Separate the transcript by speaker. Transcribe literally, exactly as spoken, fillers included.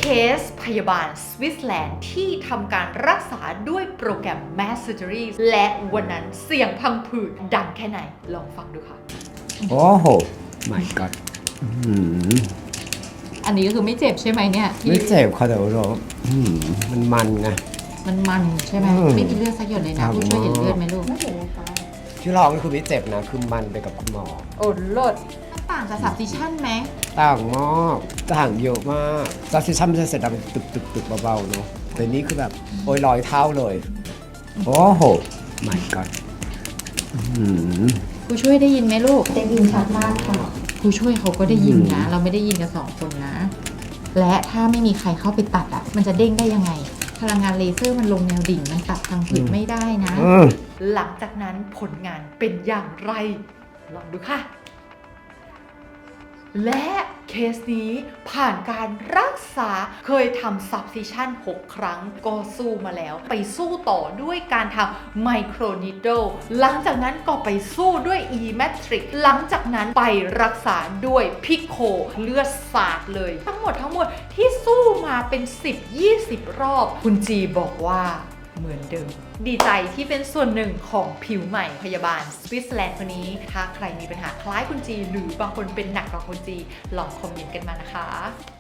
Speaker 1: สพยาบาลสวิตเซอร์แลนด์ที่ทำการรักษาด้วยโปรแกรม Mass Surgery และวันนั้นเสียงพังผืดดังแค่ไหนลองฟังดูค่ะ
Speaker 2: โอ้โห my god อืม
Speaker 3: อันนี้ก็คือไม่เจ็บใช่ไหมเนี่ยที่
Speaker 2: ไม่เจ็บค่ะแต่ว่าเราอืมมันมันไง
Speaker 3: มันมันใช่ไหม
Speaker 2: อืม
Speaker 3: ไม่มีเลือดสักหยดเลย
Speaker 2: ครั
Speaker 3: นะ
Speaker 2: บ
Speaker 3: ผู้ช่วยเห็นเลือดไหมลูก
Speaker 4: ไม่เห็นเลยค่ะ
Speaker 2: ที่ร้องก็คือไม่เจ็บนะ คือมันไปกับคุณหมอ
Speaker 3: โอ้โลดมันต่างจากสับซิชั่นไหม
Speaker 2: ต่างมากต่างเยอะมากซัสซิชั่นมันจะเสร็จดังตึกตึกตึกเบาๆเนาะแต่นี่คือแบบโอ้ยร้อยเท่าเลย โอ้โห my god อืม
Speaker 3: ผู้ช่วยได้ยินไหมลูก
Speaker 4: ได้ยินชัดมากค่ะ
Speaker 3: ผู้ช่วยเขาก็ได้ยินนะ
Speaker 2: อืม
Speaker 3: เราไม่ได้ยินกันสองคนนะ และถ้าไม่มีใครเข้าไปตัดอ่ะ มันจะเด้งได้ยังไง พลังงานเลเซอร์มันลงแนวดิ่งมันตัดทางผืดไม่ได้นะ
Speaker 2: อืม
Speaker 1: หลังจากนั้นผลงานเป็นอย่างไร ลองดูค่ะ และเคสนี้ผ่านการรักษาเคยทำ subcision หกครั้งก็สู้มาแล้ว ไปสู้ต่อด้วยการทำ microneedle หลังจากนั้นก็ไปสู้ด้วย e-matrix หลังจากนั้นไปรักษาด้วย pico เลือดสาดเลย ทั้งหมดทั้งหมดที่สู้มาเป็น สิบถึงยี่สิบ รอบ คุณจีบอกว่าเหมือนเดิม ดีใจที่เป็นส่วนหนึ่งของผิวใหม่พยาบาลสวิตเซอร์แลนด์คนนี้ ถ้าใครมีปัญหาคล้ายคุณจีหรือบางคนเป็นหนักกว่าคุณจี ลองคอมเมนต์กันมานะคะ